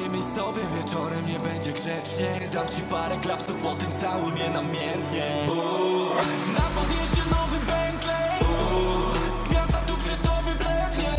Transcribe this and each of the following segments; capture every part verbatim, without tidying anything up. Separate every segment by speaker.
Speaker 1: Powiemy sobie wieczorem, nie będzie grzecznie. Dam ci parę klapsów, potem całuj mnie namiętnie. Uuu. Na podjeździe nowy Bentley. Uuu. Gwiazda tu przed tobą blednie.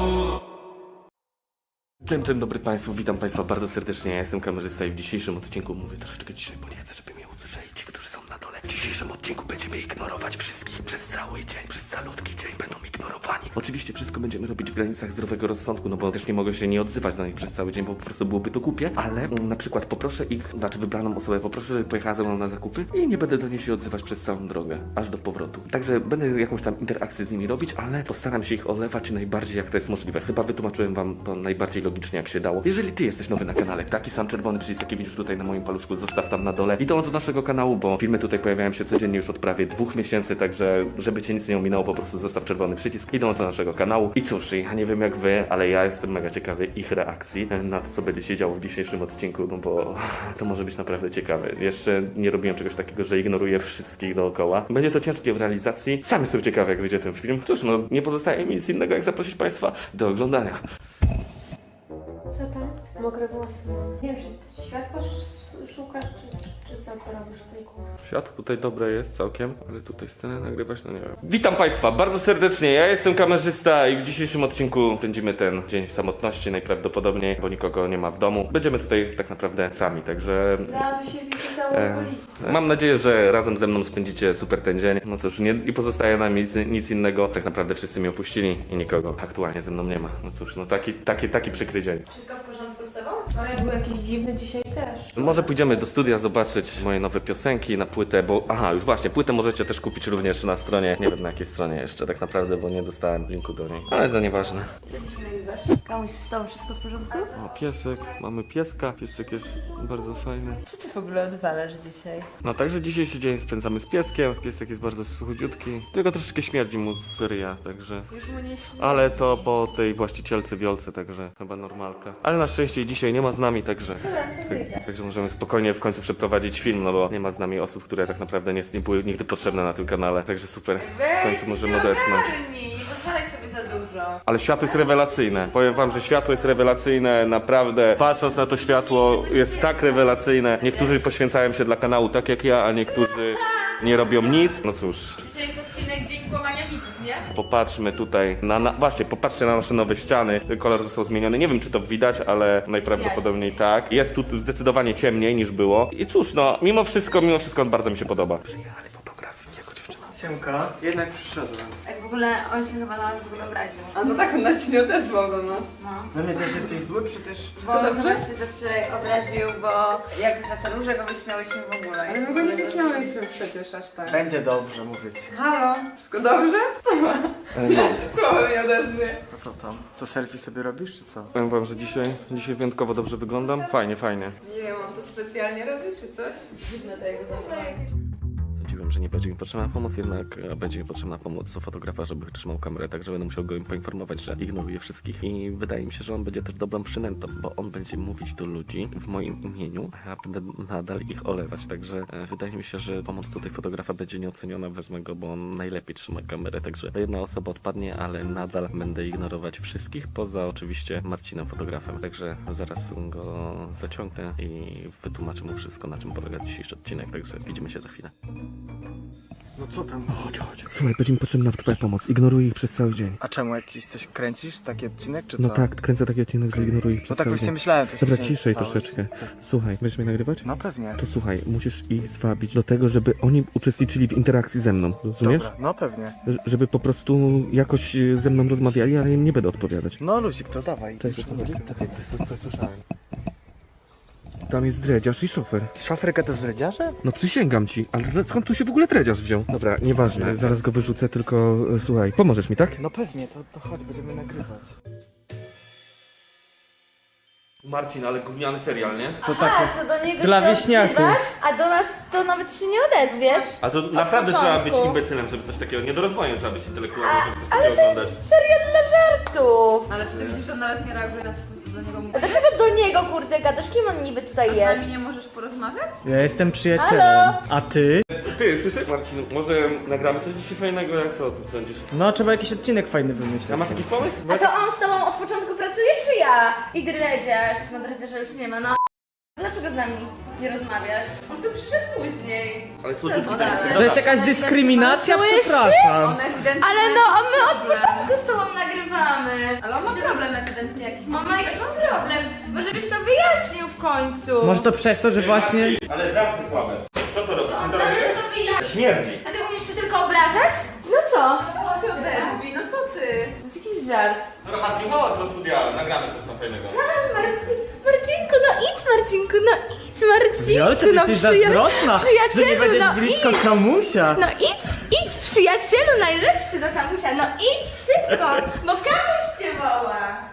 Speaker 2: Dzień, dzień dobry Państwu, witam Państwa bardzo serdecznie, ja jestem kamerzysta i w dzisiejszym odcinku mówię troszeczkę dzisiaj, bo nie chcę, żeby mnie usłyszeli ci, którzy są na dole. W dzisiejszym odcinku będziemy ignorować wszystkich przez cały dzień, przez calutki dzień będą ignorowani. Oczywiście wszystko będziemy robić w granicach zdrowego rozsądku, no bo też nie mogę się nie odzywać na nich przez cały dzień, bo po prostu byłoby to głupie, ale mm, na przykład poproszę ich, znaczy wybraną osobę, poproszę, żeby pojechała ze mną na zakupy i nie będę do niej się odzywać przez całą drogę, aż do powrotu. Także będę jakąś tam interakcję z nimi robić, ale postaram się ich olewać najbardziej jak to jest możliwe. Chyba wytłumaczyłem wam to najbardziej logicznie jak się dało. Jeżeli ty jesteś nowy na kanale, taki sam czerwony przycisk jaki widzisz tutaj na moim paluszku, zostaw tam na dole i dołącz do naszego kanału, bo filmy tutaj pojawiają się codziennie już od prawie dwóch miesięcy, także żeby cię nic nie ominęło, po prostu zostaw czerwony przycisk i dołącz do naszego kanału. I cóż, ja nie wiem jak wy, ale ja jestem mega ciekawy ich reakcji na to, co będzie się działo w dzisiejszym odcinku, no bo to może być naprawdę ciekawe. Jeszcze nie robiłem czegoś takiego, że ignoruję wszystkich dookoła. Będzie to ciężkie w realizacji. Sam jestem ciekawy, jak wyjdzie ten film. Cóż, no nie pozostaje mi nic innego, jak zaprosić Państwa do oglądania.
Speaker 3: Co tam? Mokre włosy mam. Nie wiem, czy światła sz- szukasz, czy, czy co to robisz w tej kuchni?
Speaker 2: Świat tutaj dobre jest całkiem, ale tutaj scenę nagrywać, no nie wiem. Witam Państwa bardzo serdecznie, ja jestem kamerzysta i w dzisiejszym odcinku będziemy ten dzień w samotności najprawdopodobniej, bo nikogo nie ma w domu. Będziemy tutaj tak naprawdę sami, także...
Speaker 3: Dałaby się wizyta u
Speaker 2: E,
Speaker 3: okulisty.
Speaker 2: mam nadzieję, że razem ze mną spędzicie super ten dzień. No cóż, nie, i pozostaje nam nic, nic innego. Tak naprawdę wszyscy mnie opuścili i nikogo aktualnie ze mną nie ma. No cóż, no taki, taki, taki przykry dzień.
Speaker 3: Wszystko w porządku z tobą? Wczoraj był jakiś dziwny, dzisiaj też.
Speaker 2: Może pójdziemy do studia zobaczyć moje nowe piosenki na płytę, bo aha, już właśnie, płytę możecie też kupić również na stronie, nie wiem na jakiej stronie jeszcze tak naprawdę, bo nie dostałem linku do niej, ale to nieważne.
Speaker 3: Co dzisiaj nagrywasz? Kamuś wstał, wszystko w porządku?
Speaker 2: O, piesek, mamy pieska, piesek jest bardzo fajny.
Speaker 3: Co ty w ogóle odwalasz dzisiaj?
Speaker 2: No także dzisiejszy dzień spędzamy z pieskiem, piesek jest bardzo chudziutki, tylko troszeczkę śmierdzi mu z ryja, także...
Speaker 3: Już mu nie śmierdzi.
Speaker 2: Ale to po tej właścicielce wiolce, także chyba normalka. Ale na szczęście dzisiaj nie ma z nami, także... Tak, także możemy spokojnie w końcu przeprowadzić film, no bo nie ma z nami osób, które tak naprawdę nie, nie były nigdy potrzebne na tym kanale, także super. W końcu możemy odetchnąć.
Speaker 3: Nie pozwalaj sobie za dużo.
Speaker 2: Ale światło jest rewelacyjne. Powiem wam, że światło jest rewelacyjne, naprawdę. Patrząc na to światło jest tak rewelacyjne. Niektórzy poświęcają się dla kanału tak jak ja, a niektórzy nie robią nic. No cóż.
Speaker 3: Dzisiaj jest odcinek Dzień Kłamania Widzów, nie?
Speaker 2: Popatrzmy tutaj na, na... Właśnie, popatrzcie na nasze nowe ściany. Kolor został zmieniony. Nie wiem, czy to widać, ale najprawdopodobniej tak. Jest tu zdecydowanie ciemniej niż było. I cóż, no, mimo wszystko, mimo wszystko bardzo mi się podoba. Przyjechali fotografi jako dziewczyna.
Speaker 4: Siemka, jednak przyszedłem.
Speaker 5: Jak w ogóle on się chyba na nas w ogóle obraził.
Speaker 6: A no tak, on nawet się nie odezwał do nas.
Speaker 5: No.
Speaker 4: Na mnie też jesteś zły, przecież...
Speaker 5: Bo chyba się ze wczoraj obraził, bo jak za te róże go wyśmiałyśmy w ogóle.
Speaker 6: Ale my go nie wyśmiałyśmy przecież aż tak.
Speaker 4: Będzie dobrze, mówię ci.
Speaker 6: Halo, wszystko dobrze? Ja się słowo nie odezwie.
Speaker 4: A co tam? Co, selfie sobie robisz, czy co?
Speaker 2: Powiem wam, że dzisiaj, dzisiaj wyjątkowo dobrze wyglądam. Fajnie, fajnie.
Speaker 6: Nie wiem, on to specjalnie robi czy coś? Dziwne to jego zachowanie.
Speaker 2: Sądziłem, że nie będzie mi potrzebna pomoc, jednak e, będzie mi potrzebna pomoc u fotografa, żeby trzymał kamerę, także będę musiał go poinformować, że ignoruje wszystkich i wydaje mi się, że on będzie też dobrą przynętą, bo on będzie mówić do ludzi w moim imieniu, a ja będę nadal ich olewać, także e, wydaje mi się, że pomoc tutaj fotografa będzie nieoceniona, wezmę go, bo on najlepiej trzyma kamerę, także jedna osoba odpadnie, ale nadal będę ignorować wszystkich, poza oczywiście Marcinem fotografem, także zaraz go zaciągnę i wytłumaczę mu wszystko, na czym polega dzisiejszy odcinek, także widzimy się za chwilę.
Speaker 4: No co tam?
Speaker 2: Chodź, chodź. Słuchaj, będzie mi potrzebna twoja pomoc. Ignoruję ich przez cały dzień.
Speaker 4: A czemu, jakiś coś kręcisz? Taki odcinek, czy co?
Speaker 2: No tak, kręcę taki odcinek, że ignoruję ich
Speaker 4: No
Speaker 2: przez
Speaker 4: tak
Speaker 2: cały
Speaker 4: właśnie
Speaker 2: dzień.
Speaker 4: myślałem, coś
Speaker 2: Dobra,
Speaker 4: się
Speaker 2: ciszej
Speaker 4: stało.
Speaker 2: troszeczkę. Słuchaj, będziesz mnie nagrywać?
Speaker 4: No pewnie.
Speaker 2: To słuchaj, musisz ich zwabić do tego, żeby oni uczestniczyli w interakcji ze mną, rozumiesz?
Speaker 4: Dobra, no pewnie.
Speaker 2: Ż- Żeby po prostu jakoś e, ze mną rozmawiali, ale im nie będę odpowiadać.
Speaker 4: No Luzik, to dawaj.
Speaker 2: Cześć, o co chodzi? Czekaj, coś, coś słyszałem. Tam jest dredziarz i szofer.
Speaker 4: Szafryka to zdradziarze?
Speaker 2: No przysięgam ci, ale skąd tu się w ogóle dredziarz wziął? Dobra, nieważne, zaraz go wyrzucę, tylko e, słuchaj, pomożesz mi, tak?
Speaker 4: No pewnie, to, to chodź, będziemy nagrywać.
Speaker 2: Marcin, ale gówniany serial, nie?
Speaker 4: To
Speaker 5: A, to do niego
Speaker 4: dla
Speaker 5: się
Speaker 4: wieśniaków.
Speaker 5: odzywasz, a do nas to nawet się nie odezwiesz.
Speaker 2: A to
Speaker 5: Od
Speaker 2: naprawdę trzeba być
Speaker 5: początku.
Speaker 2: imbecylem, żeby coś takiego, nie do rozwoju trzeba być intelektualnym, żeby coś takiego oglądać.
Speaker 5: Serial dla żartów.
Speaker 6: Ale czy ty widzisz, że on nawet nie reaguje na to, co do niego
Speaker 5: A
Speaker 6: mówisz?
Speaker 5: dlaczego do niego, kurde, gadasz? Kim on niby tutaj
Speaker 6: A z
Speaker 5: jest?
Speaker 6: nami nie możesz porozmawiać?
Speaker 4: Ja jestem przyjacielem.
Speaker 5: Halo?
Speaker 4: A ty?
Speaker 2: Ty, słyszysz? Marcin, może nagramy coś dzisiaj fajnego, jak co o tym sądzisz?
Speaker 4: No, trzeba jakiś odcinek fajny wymyślić.
Speaker 2: A masz jakiś pomysł?
Speaker 5: A to on z tobą od początku pracuje, czy ja? I dredziarz. No dredziarza już nie ma, no. Dlaczego z nami nie rozmawiasz? On tu przyszedł później.
Speaker 2: Ale słodziutki
Speaker 5: Co
Speaker 2: ten
Speaker 5: dalej?
Speaker 4: To jest jakaś dyskryminacja?
Speaker 5: Słyszysz?
Speaker 4: Przepraszam.
Speaker 5: Ale no, a my od początku z tobą nagrywamy.
Speaker 3: Ale on ma problem ewidentnie jakiś.
Speaker 5: On ma jakiś problem. Może byś to wyjaśnił w końcu.
Speaker 4: Może to przez to, że właśnie...
Speaker 2: Ale żarcie słabe. Co to robi?
Speaker 5: On zamiast to wyjaśnić.
Speaker 2: Śmierdzi.
Speaker 5: A ty umiesz się tylko obrażać? No co?
Speaker 3: się odezwij, no co ty?
Speaker 5: To jest jakiś żart.
Speaker 2: Dobra, Marcin, chodź do studia, nagramy coś tam fajnego.
Speaker 5: A, Marcin, Marcinku, no idź Marcinku, no idź
Speaker 4: Wiolka,
Speaker 5: Marcinku,
Speaker 4: ty
Speaker 5: no
Speaker 4: jesteś
Speaker 5: przyja-
Speaker 4: zazdrosna, że nie
Speaker 5: przyjacielu,
Speaker 4: będziesz
Speaker 5: no
Speaker 4: blisko
Speaker 5: idź.
Speaker 4: kamusia.
Speaker 5: No idź, idź przyjacielu najlepszy do kamusia, no idź szybko, bo kamuś cię woła.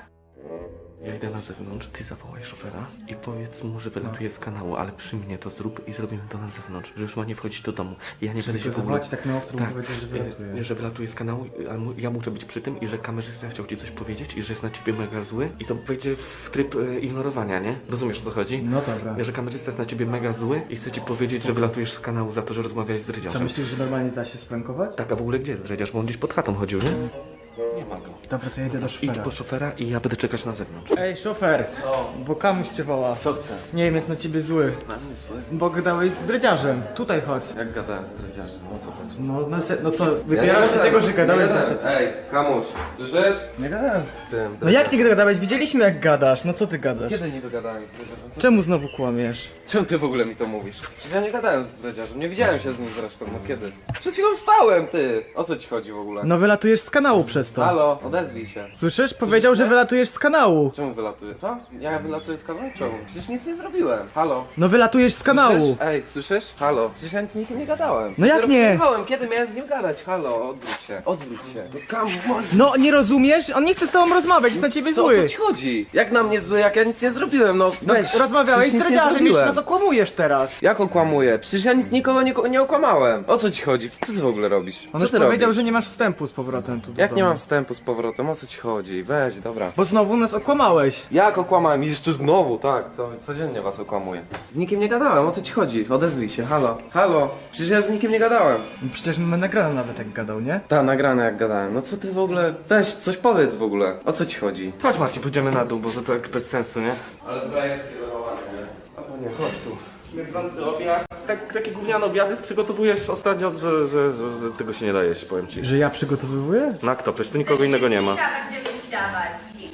Speaker 2: Ja idę na zewnątrz, ty zawołaj szofera i powiedz mu, że wylatuje z kanału, ale przy mnie to zrób i zrobimy to na zewnątrz, że już ma nie wchodzić do domu. Ja nie będę się w ogóle...
Speaker 4: zawołać tak na ostro,
Speaker 2: tak,
Speaker 4: powiedzieć, że wylatuje.
Speaker 2: e, że wylatuje z kanału, ale mu- ja muszę być przy tym i że kamerzysta chciał ci coś powiedzieć i że jest na ciebie mega zły i to wejdzie w tryb e, ignorowania, nie? Rozumiesz, o co chodzi?
Speaker 4: No dobra.
Speaker 2: Że kamerzysta jest na ciebie mega zły i chce ci powiedzieć, że wylatujesz z kanału za to, że rozmawiałeś z
Speaker 4: Co
Speaker 2: Rydziarzem.
Speaker 4: myślisz, że normalnie da się sprankować?
Speaker 2: Tak, a w ogóle gdzie jest Rydziarz? Bo on gdzieś pod chatą chodził, nie? Nie ma go.
Speaker 4: Dobra, to ja idę do
Speaker 2: Idź
Speaker 4: szofera.
Speaker 2: po szofera i ja będę czekać na zewnątrz.
Speaker 4: Ej, szofer, bo kamuś cię woła.
Speaker 2: Co chce?
Speaker 4: Nie wiem, jest na ciebie zły.
Speaker 2: Na mnie zły?
Speaker 4: Bo gadałeś z dredziarzem. Tutaj chodź.
Speaker 7: Jak gadałem z dredziarzem, o co chodzi?
Speaker 4: No, na se... no co, wypierasz się tego, że gadałeś z dredziarzem.
Speaker 7: Ej, kamuś, słyszysz?
Speaker 4: Nie gadałem z...
Speaker 7: Tym,
Speaker 4: No jak ty gadałeś? Widzieliśmy jak gadasz. No co ty gadasz?
Speaker 7: Kiedy nie dogadałem z dredziarzem? Co...
Speaker 4: Czemu znowu kłamiesz?
Speaker 7: Czemu ty w ogóle mi to mówisz? Przecież ja nie gadałem z dredziarzem, nie widziałem się z nim zresztą, no kiedy? Przed chwilą wstałem, ty! O co ci chodzi w ogóle?
Speaker 4: No wylatujesz z kanału przez to.
Speaker 7: Halo, odezwij się.
Speaker 4: Słyszysz? Powiedział, że wylatujesz z kanału.
Speaker 7: Czemu wylatuję? Co? Ja wylatuję z kanału? Czemu? Przecież nic nie zrobiłem. Halo?
Speaker 4: No wylatujesz z kanału.
Speaker 7: Słyszysz? Ej, słyszysz? Halo? Przecież ja nic z nikim nie gadałem.
Speaker 4: No jak
Speaker 7: Dopiero
Speaker 4: nie?
Speaker 7: przyjechałem, kiedy miałem z nim gadać? Halo, odwróć się, odwróć się. No kamuś!
Speaker 4: No nie rozumiesz? On nie chce z tobą rozmawiać, jest na ciebie
Speaker 7: Co, o co
Speaker 4: zły.
Speaker 7: ci chodzi? Jak na mnie zły, jak ja nic nie zrobiłem, no weź.
Speaker 4: Rozmawiałeś
Speaker 7: przecież
Speaker 4: z
Speaker 7: nic nie
Speaker 4: dredziarzem, już
Speaker 7: zrobiłem.
Speaker 4: nas okłamujesz teraz.
Speaker 7: Jak okłamuję? Przecież ja nic nikogo nie, nie okłamałem. O co ci chodzi? Co ty w ogóle robisz?
Speaker 4: On
Speaker 7: Co
Speaker 4: już
Speaker 7: ty
Speaker 4: powiedział,
Speaker 7: robisz?
Speaker 4: że nie masz wstępu z powrotem tu do
Speaker 7: Jak nie
Speaker 4: domu.
Speaker 7: mam wstępu z powrotem? O co ci chodzi? Weź, dobra.
Speaker 4: Bo znowu nas okłamałeś.
Speaker 7: Jak okłamałem? I jeszcze znowu, tak, co, codziennie was okłamuję. Z nikim nie gadałem, o co ci chodzi? Odezwij się, halo. Halo, przecież ja z nikim nie gadałem.
Speaker 4: No przecież mamy nagrane nawet jak gadał, nie?
Speaker 7: Ta, nagrane jak gadałem. No co ty w ogóle? Weź, coś powiedz w ogóle. O co ci chodzi?
Speaker 2: Chodź Marcin, pójdziemy na dół, bo to tak bez sensu, nie?
Speaker 7: Ale zbrajewskie zachowanie, nie?
Speaker 2: Albo nie, chodź tu. Śmierdzący obiad. Tak, takie gówniane obiady przygotowujesz ostatnio, że, że, że, że tego się nie daje, powiem ci.
Speaker 4: Że ja przygotowywuję?
Speaker 2: Na kto? Przecież tu nikogo innego nie ma.
Speaker 5: Będziemy ci dawać.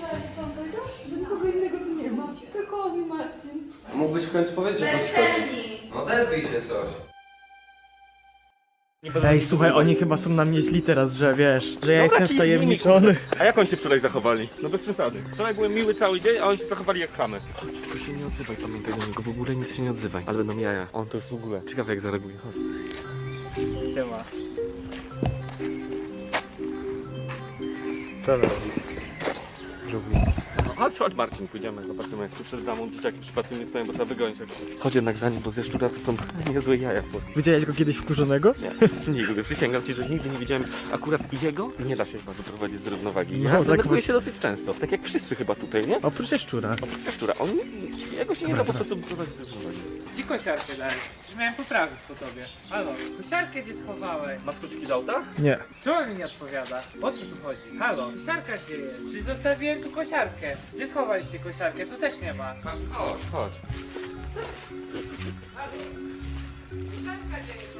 Speaker 3: Nikogo innego tu nie ma. Tylko on i Marcin.
Speaker 7: Mógłbyś w końcu powiedzieć, o co ci chodzi.
Speaker 5: Bezczelni.
Speaker 7: No odezwij się coś.
Speaker 4: Ej, słuchaj, oni chyba są na mnie źli teraz, że wiesz, że ja jestem
Speaker 2: kij z nimi,
Speaker 4: wtajemniczony.
Speaker 2: A jak oni się wczoraj zachowali? No bez przesady. Wczoraj byłem miły cały dzień, a oni się zachowali jak chamy. Chodź, tylko się nie odzywaj, pamiętaj do niego, w ogóle nic się nie odzywaj. Ale będą jaja. On to już w ogóle. Ciekawe jak zareaguje, chodź.
Speaker 4: Siema. Co robi?
Speaker 2: Robi. Chodź, chodź Marcin, pójdziemy, zobaczymy jak tu przed damą dzieciaki przypadkiem nie stoją, bo trzeba wygonić. Chodź jednak za nim, bo ze szczura to są niezłe jaja. Bo...
Speaker 4: Widziałeś go kiedyś wkurzonego?
Speaker 2: Nie, nigdy. Przysięgam ci, że nigdy nie widziałem akurat jego. Nie da się chyba wyprowadzić z równowagi.
Speaker 4: No,
Speaker 2: Ja
Speaker 4: tak
Speaker 2: denerwuję
Speaker 4: wy-
Speaker 2: się dosyć często, tak jak wszyscy chyba tutaj, nie?
Speaker 4: Oprócz szczura.
Speaker 2: Oprócz szczura, on, jego się nie da po prostu wyprowadzić z równowagi.
Speaker 8: Gdzie kosiarkę dałeś? Przecież miałem poprawić po tobie. Halo, kosiarkę gdzie schowałeś?
Speaker 2: Masz kluczyki do auta?
Speaker 4: Nie.
Speaker 8: Czemu mi nie odpowiada? O co tu chodzi? Halo, kosiarka gdzie jest? Przecież zostawiłem tu kosiarkę. Gdzie schowaliście kosiarkę? Tu też nie ma.
Speaker 7: Chodź, chodź.
Speaker 8: Kosiarka gdzie jest?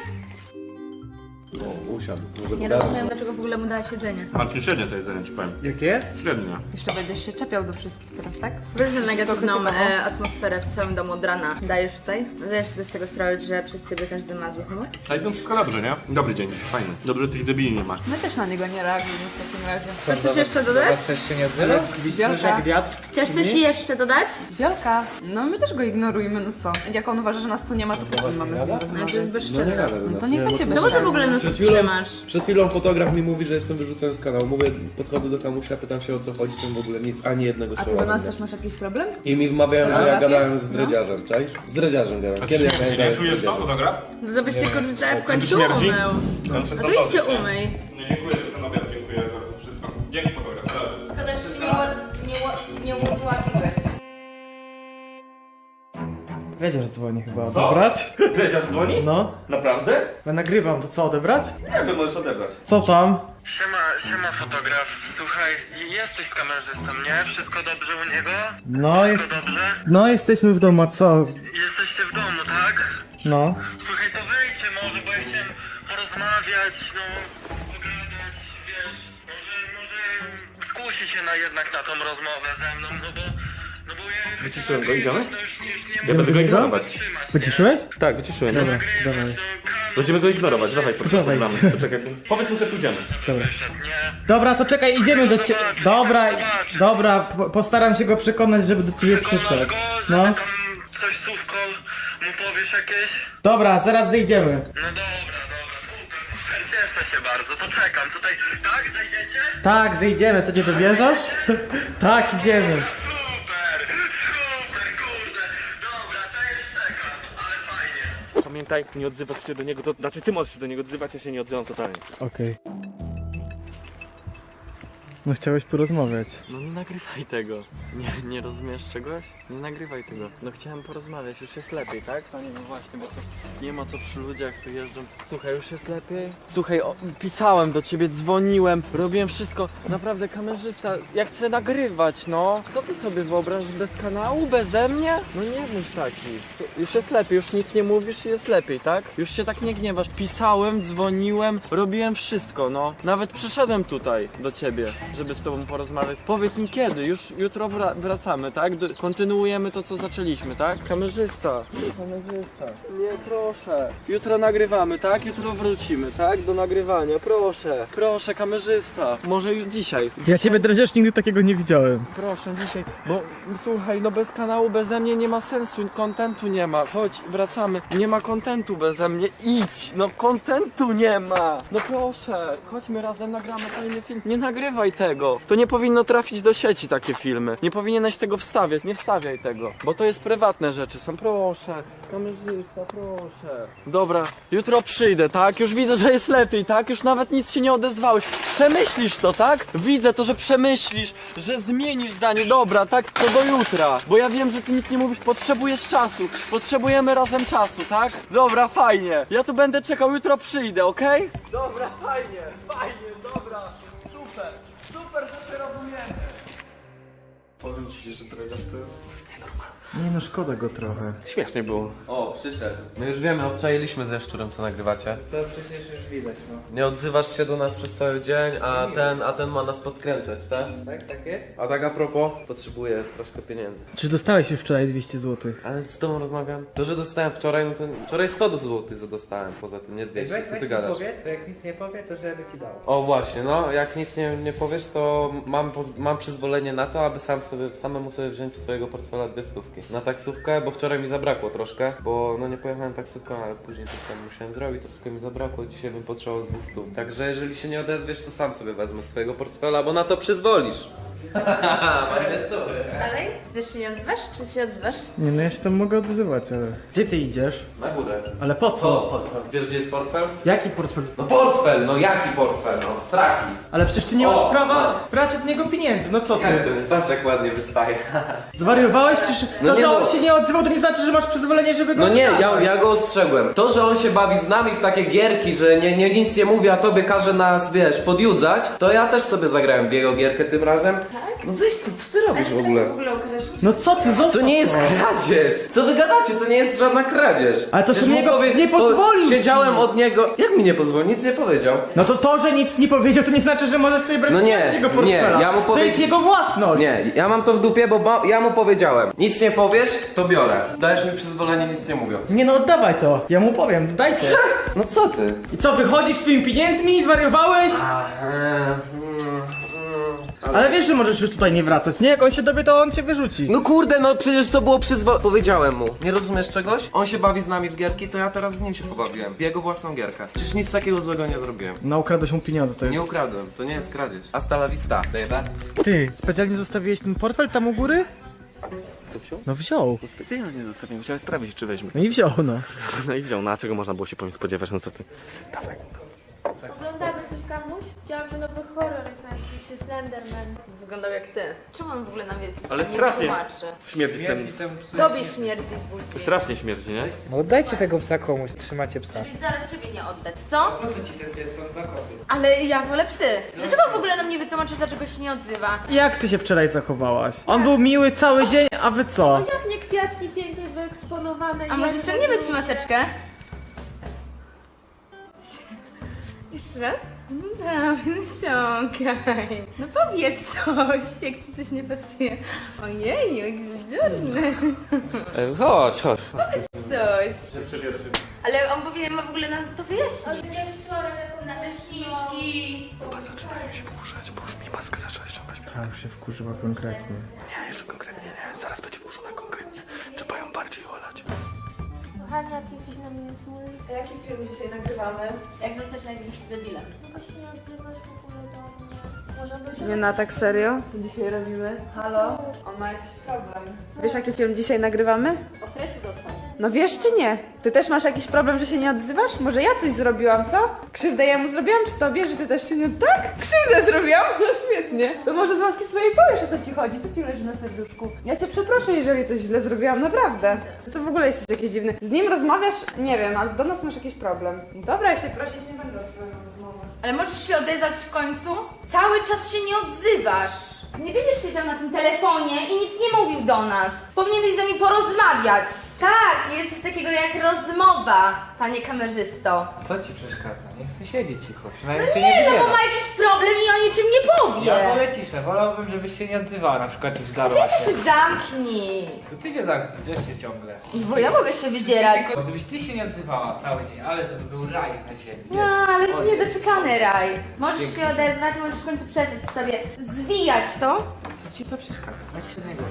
Speaker 7: O, usiadł. Może
Speaker 5: Nie rozumiem, dlaczego w ogóle mu dała siedzenie.
Speaker 2: Marcin, średnie to jedzenie ci powiem.
Speaker 4: Jakie?
Speaker 2: Średnie.
Speaker 3: Jeszcze będziesz się czepiał do wszystkich teraz, tak?
Speaker 5: Wiesz, że negatywną e, atmosferę w całym domu od rana dajesz tutaj? Zdajesz sobie z tego sprawę, że przez ciebie każdy ma zły humor?
Speaker 2: A idą wszystko dobrze, nie? Dobry dzień, fajny. Dobrze, że tych debili nie masz.
Speaker 3: My też na niego nie reagujemy w takim razie.
Speaker 5: Chcesz coś jeszcze dodać?
Speaker 8: Chcesz się nie odzywał?
Speaker 4: Słyszysz jak wiatr?
Speaker 5: Chcesz coś jeszcze dodać?
Speaker 3: Wielka, no my też go ignorujemy, no co? Jak on uważa, że nas tu nie ma, to po co my mamy z nim
Speaker 5: No to jest
Speaker 3: rozmawiać?
Speaker 5: bezczelne.
Speaker 3: No to niech będzie
Speaker 5: No po co w ogóle nas tu trzymasz?
Speaker 9: Przed chwilą fotograf mi mówi, że jestem wyrzucony z kanału. Mówię, podchodzę do kamusia, pytam się o co chodzi, ten w ogóle nic, ani jednego
Speaker 3: A ty
Speaker 9: słowa.
Speaker 3: do nas
Speaker 9: nie.
Speaker 3: też masz jakiś problem?
Speaker 9: I mi wmawiają, że ja
Speaker 3: Fotografie?
Speaker 9: gadałem z dredziarzem, czaisz? Z dredziarzem gadałem. Kiedy ja gadałem z dredziarzem?
Speaker 2: fotograf?
Speaker 5: No to byś się kurde w końcu
Speaker 2: śmierdzi?
Speaker 5: umył.
Speaker 2: Ja muszę
Speaker 5: No to idź się umyj.
Speaker 2: Nie dziękuję za ten obiad, dziękuję za wszystko. Dzięki fotograf.
Speaker 5: Szkoda, że się nie, ła- nie, ła- nie ułapiłeś.
Speaker 4: Wiedziesz, że dzwoni chyba. Odebrać?
Speaker 2: Dredziarz dzwoni?
Speaker 4: No.
Speaker 2: Naprawdę?
Speaker 4: Ja nagrywam, to co, odebrać?
Speaker 2: Nie wiem, możesz odebrać.
Speaker 4: Co tam?
Speaker 10: Siema, siema fotograf. Słuchaj, jesteś z kamerzystą, nie? Wszystko dobrze u niego?
Speaker 4: No, jest...
Speaker 10: Wszystko dobrze?
Speaker 4: No, jesteśmy w domu, a co?
Speaker 10: Jesteście w domu, tak?
Speaker 4: No.
Speaker 10: Słuchaj, to wyjdźcie może, bo ja chciałem porozmawiać, no, pogadać, wiesz, może, może skusi się na jednak na tą rozmowę ze mną, no bo, no bo ja już
Speaker 2: Wyciszyłem
Speaker 10: chcę
Speaker 2: go, idziemy?
Speaker 10: nagrywać, no już, już nie
Speaker 2: Ja będę go ignorować.
Speaker 10: wytrzymać, nie?
Speaker 4: Wyciszyłeś?
Speaker 2: Tak, wyciszyłem.
Speaker 4: Dobra,
Speaker 10: Nagrywać,
Speaker 4: dawaj.
Speaker 10: no, kamer-
Speaker 2: Będziemy go ignorować, dawaj,
Speaker 4: Dawaj.
Speaker 2: podglądamy. Poczekaj, powiedz mu, że pójdziemy.
Speaker 10: wyszedł, nie?
Speaker 4: Dobra, to czekaj, idziemy do ciebie.
Speaker 10: Zobacz,
Speaker 4: Dobra,
Speaker 10: zobacz.
Speaker 4: dobra, po- postaram się go przekonać, żeby do ciebie
Speaker 10: Przekonasz
Speaker 4: przyszedł.
Speaker 10: go, żeby
Speaker 4: No.
Speaker 10: tam coś słówko mu powiesz jakieś?
Speaker 4: Dobra, zaraz zejdziemy.
Speaker 10: No dobra, dobra, super, super, cieszę się bardzo, to czekam tutaj, tak, zejdziecie?
Speaker 4: Tak, zejdziemy, co nie dowierzasz? Tak, idziemy.
Speaker 10: Super, super, kurde, dobra, to już czekam, ale fajnie.
Speaker 2: Pamiętaj, nie odzywasz się do niego, to znaczy ty możesz się do niego odzywać, ja się nie odzywam totalnie.
Speaker 4: Okej. No chciałeś porozmawiać.
Speaker 11: No nie nagrywaj tego. Nie, nie rozumiesz czegoś? Nie nagrywaj tego. No chciałem porozmawiać, już jest lepiej, tak? Panie, no właśnie, bo to nie ma co przy ludziach tu jeżdżą. Słuchaj, już jest lepiej? Słuchaj, o, pisałem do ciebie, dzwoniłem, robiłem wszystko. Naprawdę, kamerzysta, ja chcę nagrywać, no. Co ty sobie wyobrażasz bez kanału, beze mnie? No nie bądź taki. Co, już jest lepiej, już nic nie mówisz i jest lepiej, tak? Już się tak nie gniewasz. Pisałem, dzwoniłem, robiłem wszystko, no. Nawet przyszedłem tutaj do ciebie, żeby z tobą porozmawiać. Powiedz mi kiedy, już jutro wra wracamy, tak? Do kontynuujemy to, co zaczęliśmy, tak? Kamerzysta, kamerzysta, nie, proszę. Jutro nagrywamy, tak? Jutro wrócimy, tak? Do nagrywania, proszę. Proszę, kamerzysta. Może już dzisiaj.
Speaker 4: Ja ciebie, Dredziarz, nigdy takiego nie widziałem.
Speaker 11: Proszę, dzisiaj, bo słuchaj, no bez kanału, beze mnie nie ma sensu, kontentu nie ma. Chodź, wracamy. Nie ma kontentu beze mnie, idź, no kontentu nie ma. No proszę, chodźmy razem, nagramy fajny film. Nie nagrywaj tego. To nie powinno trafić do sieci takie filmy. Nie powinieneś tego wstawiać, nie wstawiaj tego. Bo to jest prywatne rzeczy są, proszę. Kamerzysta, proszę. Dobra, jutro przyjdę, tak? Już widzę, że jest lepiej, tak? Już nawet nic się nie odezwałeś. Przemyślisz to, tak? Widzę to, że przemyślisz, że zmienisz zdanie. Dobra, tak? To do jutra. Bo ja wiem, że ty nic nie mówisz, potrzebujesz czasu. Potrzebujemy razem czasu, tak? Dobra, fajnie. Ja tu będę czekał, jutro przyjdę, okej? Dobra, fajnie, fajnie, dobra. Super, super, że się rozumiemy.
Speaker 2: Powiem ci, że Dredziarz to jest...
Speaker 4: Nie no, szkoda go trochę.
Speaker 2: Śmiesznie było.
Speaker 7: O, przyszedł. My już wiemy, obczailiśmy ze szczurem, co nagrywacie.
Speaker 8: To przecież już widać, no.
Speaker 7: Nie odzywasz się do nas przez cały dzień, a ten, a ten ma nas podkręcać, tak?
Speaker 8: Tak, tak jest?
Speaker 7: A tak a propos, potrzebuję troszkę pieniędzy.
Speaker 4: Czy dostałeś już wczoraj dwieście złotych?
Speaker 7: Ale z tobą rozmawiam. To, że dostałem wczoraj, no to wczoraj sto złotych dostałem, poza tym nie dwieście,
Speaker 8: Weź,
Speaker 7: co
Speaker 8: weź
Speaker 7: ty
Speaker 8: mi
Speaker 7: gadasz?
Speaker 8: powiedz, jak nic nie powie, to żeby ci dał.
Speaker 7: O właśnie, no, jak nic nie, nie powiesz, to mam, poz- mam przyzwolenie na to, aby sam sobie, samemu sobie wziąć z twojego portfela dwie stówki. Na taksówkę, bo wczoraj mi zabrakło troszkę, bo no nie pojechałem taksówką, ale później coś tam musiałem zrobić, troszkę mi zabrakło, dzisiaj bym potrzebował z dwóch stów. Także jeżeli się nie odezwiesz, to sam sobie wezmę z twojego portfela, bo na to przyzwolisz.
Speaker 5: Dalej? Ty też się nie odzywasz? Czy się odzywasz?
Speaker 4: Nie no, ja się tam mogę odzywać, ale... Gdzie ty idziesz?
Speaker 7: Na górę.
Speaker 4: Ale po co?
Speaker 7: Wiesz, gdzie jest portfel?
Speaker 4: Jaki portfel?
Speaker 7: No portfel, no jaki portfel, no, sraki.
Speaker 4: Ale przecież ty nie masz
Speaker 7: O,
Speaker 4: prawa brać od niego pieniędzy, no co ty?
Speaker 7: Jak to? Patrz jak ładnie wystaje.
Speaker 4: Zwariowałeś? Przecież
Speaker 7: No
Speaker 4: to,
Speaker 7: nie
Speaker 4: że on
Speaker 7: no.
Speaker 4: się nie odzywał, to nie znaczy, że masz przyzwolenie, żeby go
Speaker 7: No nie, ja,
Speaker 4: odzywać.
Speaker 7: ja go ostrzegłem. To, że on się bawi z nami w takie gierki, że nie, nie nic nie mówi, a tobie każe nas, wiesz, podjudzać, to ja też sobie zagrałem w jego gierkę tym razem.
Speaker 5: Tak?
Speaker 7: No weź ty, co ty robisz w
Speaker 5: Ale
Speaker 7: ogóle?
Speaker 5: w ogóle ukrywasz?
Speaker 4: No co ty, zostaw
Speaker 7: To nie jest
Speaker 4: to.
Speaker 7: kradzież! Co wy gadacie? To nie jest żadna kradzież.
Speaker 4: Ale to
Speaker 7: Przecież
Speaker 4: sobie
Speaker 7: mu
Speaker 4: jego nie pozwolił ci.
Speaker 7: Siedziałem od niego... Jak mi nie pozwolił? Nic nie powiedział.
Speaker 4: No to to, że nic nie powiedział, to nie znaczy, że możesz sobie brać
Speaker 7: No nie,
Speaker 4: pieniądze z jego
Speaker 7: nie,
Speaker 4: portfela.
Speaker 7: ja mu
Speaker 4: To
Speaker 7: powiedz-
Speaker 4: jest jego własność.
Speaker 7: Nie, ja mam to w dupie, bo ma, ja mu powiedziałem. Nic nie powiesz, to biorę. Dajesz mi przyzwolenie nic nie mówiąc.
Speaker 4: Nie no, oddawaj to. Ja mu powiem, dajcie.
Speaker 7: No co ty?
Speaker 4: I co, wychodzisz z twoimi pieniędzmi? Zwariowałeś? Ale wiesz, że możesz już tutaj nie wracać, nie? Jak on się dowie, to on cię wyrzuci.
Speaker 7: No kurde, no przecież to było przyzwo... Powiedziałem mu. Nie rozumiesz czegoś? On się bawi z nami w gierki, to ja teraz z nim się pobawiłem. W jego własną gierkę. Przecież nic takiego złego nie zrobiłem.
Speaker 4: No ukradłeś mu pieniądze, to jest...
Speaker 7: Nie ukradłem, to nie jest kradzież. Hasta la vista, baby.
Speaker 4: Ty, specjalnie zostawiłeś ten portfel tam u góry?
Speaker 2: Co wziął?
Speaker 4: No wziął.
Speaker 2: Specjalnie zostawiłem, chciałem sprawdzić, czy weźmie.
Speaker 4: No i wziął, no.
Speaker 2: No i wziął, no a czego można było się po nim spodziewać, no co ty? Dawaj.
Speaker 3: Oglądamy coś, Kamuś? Widziałam, że nowy horror jest na Netflixie, Slenderman.
Speaker 5: Wyglądał jak ty. Czemu on w ogóle nam wie?
Speaker 2: Ale
Speaker 5: nie
Speaker 2: strasznie.
Speaker 5: tłumaczy?
Speaker 2: Śmierdzi z tym.
Speaker 5: Tobie śmierdzi z buzi.
Speaker 2: Strasznie śmierdzi, nie?
Speaker 8: No oddajcie tego psa komuś, trzymacie psa.
Speaker 5: Żebyś zaraz ciebie nie oddać, co?
Speaker 8: Po co ci ten pies? Są dwa koty.
Speaker 5: Ale ja wolę psy. Dlaczego on w ogóle nam nie wytłumaczył, dlaczego się nie odzywa?
Speaker 4: Jak ty się wczoraj zachowałaś? On był miły cały dzień, a wy co?
Speaker 3: Jak nie kwiatki pięknie wyeksponowane.
Speaker 5: A może
Speaker 3: jedne,
Speaker 5: ściągniemy ci
Speaker 3: drugie.
Speaker 5: maseczkę? Jeszcze raz? No dawaj, no ściągaj. No powiedz coś, jak ci coś nie pasuje. Ojej, jak dziurny.
Speaker 7: Chodź, chodź.
Speaker 5: Coś. Ale on powinien ma w ogóle nam to wyjaśnić. Na leśniczki.
Speaker 2: Chyba zaczynają się wkurzać, bo już mi maskę zaczęła ściągać.
Speaker 4: A, już się wkurzyła konkretnie.
Speaker 2: Nie, jeszcze konkretnie nie. Zaraz będzie wkurzona konkretnie. Trzeba ją bardziej olać.
Speaker 3: Kochania, ty jesteś na mnie zły.
Speaker 6: A jaki film dzisiaj nagrywamy?
Speaker 5: Jak zostać największym debilem?
Speaker 3: Dlaczego się nie odzywasz w ogóle do mnie? Może być...
Speaker 6: Nie na tak serio? Co dzisiaj robimy? Halo? On ma jakiś problem. Wiesz, jaki film dzisiaj nagrywamy?
Speaker 5: Okresu dostał.
Speaker 6: No wiesz czy nie? Ty też masz jakiś problem, że się nie odzywasz? Może ja coś zrobiłam, co? Krzywdę ja mu zrobiłam, czy tobie, że ty też się nie... Tak? Krzywdę zrobiłam? No świetnie. To może z łaski swojej powiesz, o co ci chodzi, co ci leży na serduszku. Ja cię przeproszę, jeżeli coś źle zrobiłam, naprawdę. To w ogóle jesteś jakiś dziwny. Z nim rozmawiasz, nie wiem, a do nas masz jakiś problem. Dobra, ja się prosić nie będę o twoją rozmowę.
Speaker 5: Ale możesz się odezwać w końcu? Cały czas się nie odzywasz. Nie będziesz siedział na tym telefonie i nic nie mówił do nas. Powinieneś z nami porozmawiać. Tak, jest coś takiego jak rozmowa, panie kamerzysto.
Speaker 8: Co ci przeszkadza? Nie chcę siedzieć cicho.
Speaker 5: No
Speaker 8: Przynajmniej się nie
Speaker 5: nie, no bo
Speaker 8: wydziewa.
Speaker 5: ma jakiś problem i o niczym nie powie.
Speaker 8: Ja wolę ciszę, wolałbym, żebyś się nie odzywała, na przykład i
Speaker 5: Ty
Speaker 8: zdarła
Speaker 5: się
Speaker 8: się.
Speaker 5: zamknij.
Speaker 8: To ty się zamknij, drzesz się ciągle.
Speaker 5: Bo ja mogę się wydzierać.
Speaker 8: Tylko gdybyś ty się nie odzywała cały dzień, ale to by był raj na ziemi.
Speaker 5: No, ale jest niedoczekany raj. Możesz się odezwać, możesz w końcu przestać sobie zwijać to.
Speaker 8: Co ci to przeszkadza? Weź się niego.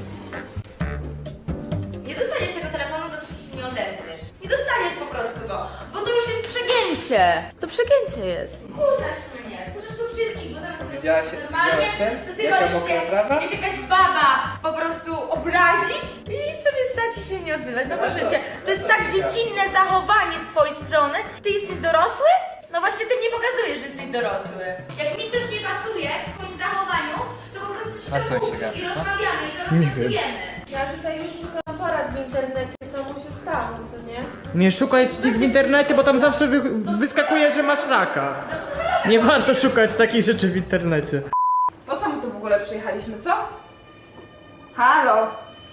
Speaker 5: Nie dostaniesz tego telefonu, dopóki się nie odezwiesz. Nie dostaniesz po prostu go, bo to już jest przegięcie. To przegięcie jest. Kurzasz mnie, kurzasz tu wszystkich, bo zamiast
Speaker 8: Widziałaś-
Speaker 5: po prostu normalnie,
Speaker 8: widziałaś ten?
Speaker 5: to ty
Speaker 8: Jaka
Speaker 5: wolisz
Speaker 8: mokra
Speaker 5: się
Speaker 8: trawa?
Speaker 5: jak jakaś baba po prostu obrazić i sobie stać i się nie odzywać. No proszę cię, to jest tak dziecinne zachowanie z twojej strony. Ty jesteś dorosły? No właśnie ty mnie pokazujesz, że jesteś dorosły. Jak mi coś nie pasuje w twoim zachowaniu, to po prostu ci
Speaker 8: Na
Speaker 5: to
Speaker 8: co się
Speaker 5: mówię
Speaker 8: gapi,
Speaker 5: i
Speaker 8: co?
Speaker 5: rozmawiamy i to rozwiązujemy.
Speaker 3: Ja tutaj już szukam porad w internecie, co mu się stało, co nie?
Speaker 4: Nie szukaj tych w internecie, bo tam zawsze wy wyskakuje, że masz raka. Nie warto szukać takich rzeczy w internecie.
Speaker 6: Po co my tu w ogóle przyjechaliśmy, co? Halo?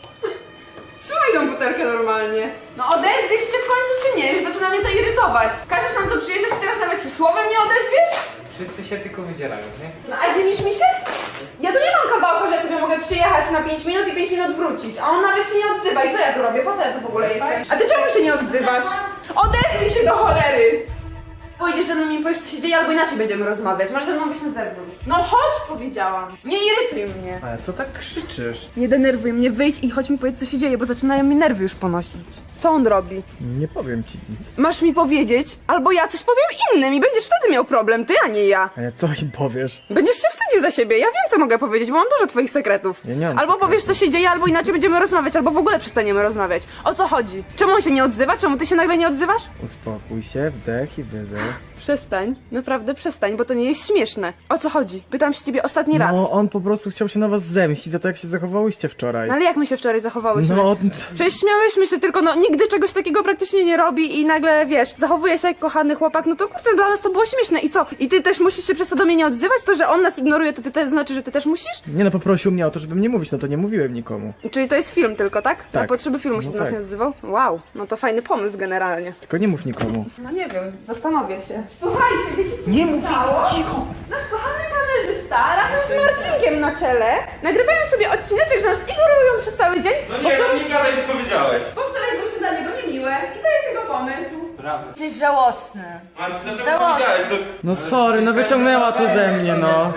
Speaker 6: Trzymaj tą butelkę normalnie. No odezwiesz się w końcu czy nie? Już zaczyna mnie to irytować. Każesz nam tu przyjeżdżać i teraz nawet się słowem nie odezwiesz?
Speaker 8: Wszyscy się tylko wydzierają, nie?
Speaker 6: No a dziwisz mi się? Ja tu nie mam kawałka, że sobie mogę przyjechać na pięć minut i pięć minut wrócić, a on nawet się nie odzywa. I co ja tu robię? Po co ja tu w ogóle jestem? A ty czemu się nie odzywasz? Odezwij się do cholery! Pójdziesz ze mną i mi powiesz, co się dzieje, albo inaczej będziemy rozmawiać. Masz ze mną być na zewnątrz. No chodź, powiedziałam. Nie irytuj mnie.
Speaker 4: Ale co tak krzyczysz?
Speaker 6: Nie denerwuj mnie, wyjdź i chodź mi powiedzieć, co się dzieje, bo zaczynają mi nerwy już ponosić. Co on robi?
Speaker 4: Nie powiem ci nic.
Speaker 6: Masz mi powiedzieć, albo ja coś powiem innym i będziesz wtedy miał problem, ty, a nie ja.
Speaker 4: A ja co im powiesz?
Speaker 6: Będziesz się wstydził za siebie, ja wiem, co mogę powiedzieć, bo mam dużo twoich sekretów.
Speaker 4: Ja nie mam
Speaker 6: Albo
Speaker 4: sekretów.
Speaker 6: powiesz, co się dzieje, albo inaczej będziemy rozmawiać, albo w ogóle przestaniemy rozmawiać. O co chodzi? Czemu on się nie odzywa? Czemu ty się nagle nie odzywasz?
Speaker 4: Uspokój się, wdech i wydech.
Speaker 6: Przestań, naprawdę przestań, bo to nie jest śmieszne. O co chodzi? Pytam się ciebie ostatni raz.
Speaker 4: No, on po prostu chciał się na was zemścić za to, jak się zachowałyście wczoraj.
Speaker 6: No ale jak my się wczoraj zachowałyśmy?
Speaker 4: No,
Speaker 6: Przecież śmiałyśmy się, tylko no nigdy czegoś takiego praktycznie nie robi i nagle, wiesz, zachowuje się jak kochany chłopak, no to kurczę, dla nas to było śmieszne i co? I ty też musisz się przez to do mnie nie odzywać? To, że on nas ignoruje, to ty też znaczy, że ty też musisz?
Speaker 4: nie no, poprosił mnie o to, żebym nie mówić, no to nie mówiłem nikomu.
Speaker 6: Czyli to jest film tylko, tak? Na
Speaker 4: Tak.
Speaker 6: potrzeby filmu się
Speaker 4: No
Speaker 6: do nas
Speaker 4: tak.
Speaker 6: nie odzywał? Wow, no to fajny pomysł generalnie.
Speaker 4: Tylko nie mów nikomu.
Speaker 6: No nie wiem, zastanowię się. Słuchajcie, wiecie co nie mów cicho! Nasz kochany kamerzysta razem z Marcinkiem na czele nagrywają sobie odcineczek, że nas ignorują przez cały dzień.
Speaker 2: No nie, no nie gadaj, co powiedziałeś.
Speaker 6: Bo wczoraj byliśmy dla niego niemiłe i to jest jego pomysł.
Speaker 8: Brawo.
Speaker 5: Jesteś żałosny.
Speaker 2: A co
Speaker 5: Żałosny.
Speaker 2: powiedziałeś? No,
Speaker 4: No sorry, no wyciągnęła to ze mnie, no.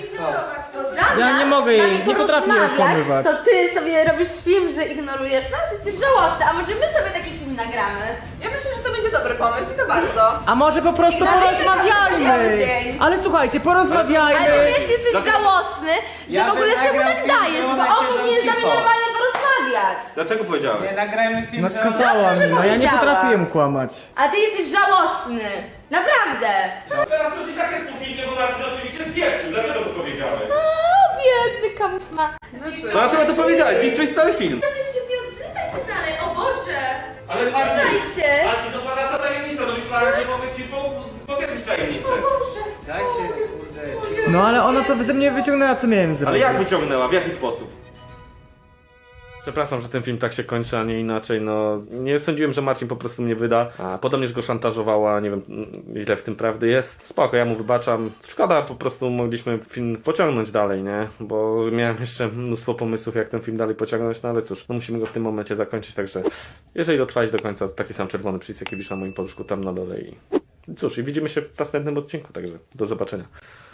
Speaker 5: To zamiast
Speaker 4: Ja nie mogę jej-
Speaker 5: z nami
Speaker 4: nie potrafię jej
Speaker 5: porozmawiać,
Speaker 4: okłamywać.
Speaker 5: to ty sobie robisz film, że ignorujesz nas, jesteś żałosny, a może my sobie taki film nagramy?
Speaker 6: Ja myślę, że to będzie dobry pomysł i to bardzo.
Speaker 4: A może po prostu
Speaker 6: I dlatego cały
Speaker 4: porozmawiajmy!
Speaker 6: dzień.
Speaker 4: Ale słuchajcie, porozmawiajmy!
Speaker 5: Ale wiesz, jesteś żałosny, że
Speaker 8: Ja
Speaker 5: w ogóle
Speaker 8: bym
Speaker 5: się mu
Speaker 8: nagrał
Speaker 5: tak
Speaker 8: film,
Speaker 5: dajesz,
Speaker 8: że
Speaker 5: bo
Speaker 8: ona
Speaker 5: on
Speaker 8: siedzą
Speaker 5: powinien z nami
Speaker 8: cicho.
Speaker 5: normalnie porozmawiać. wariat.
Speaker 2: Dlaczego powiedziałeś?
Speaker 8: Nie, nagrajmy film,
Speaker 4: No
Speaker 8: że...
Speaker 4: kazała mi, no ja nie
Speaker 5: powiedziała.
Speaker 4: potrafiłem kłamać.
Speaker 5: A ty jesteś żałosny. Naprawdę.
Speaker 2: Teraz to się tak jest po filmie, bo Marcin oczywiście spieprzył. Dlaczego to powiedziałeś?
Speaker 5: O, biedny kamuś ma.
Speaker 2: No dlaczego to powiedziałeś? Zniszczyłeś cały film.
Speaker 5: To się nie odzywaj się dalej, o Boże.
Speaker 2: Ale
Speaker 5: Nie
Speaker 2: Marcin,
Speaker 5: odzywaj się.
Speaker 2: Marcin, to była nasza tajemnica. No myślałem, że mogę ci po- powiedzieć tajemnicę.
Speaker 8: Dajcie, kurde, cicho.
Speaker 4: No ale ona to ze mnie wyciągnęła, co miałem zrobić.
Speaker 2: Ale jak wyciągnęła? W jaki sposób? Przepraszam, że ten film tak się kończy, a nie inaczej, no nie sądziłem, że Marcin po prostu mnie wyda, a podobnież go szantażowała, nie wiem ile w tym prawdy jest. Spoko, ja mu wybaczam. Szkoda, po prostu mogliśmy film pociągnąć dalej, nie? Bo miałem jeszcze mnóstwo pomysłów, jak ten film dalej pociągnąć, no ale cóż, no musimy go w tym momencie zakończyć, także jeżeli dotrwałeś do końca, taki sam czerwony przycisk, jaki wisz na moim paluszku tam na dole i cóż, i widzimy się w następnym odcinku, także do zobaczenia.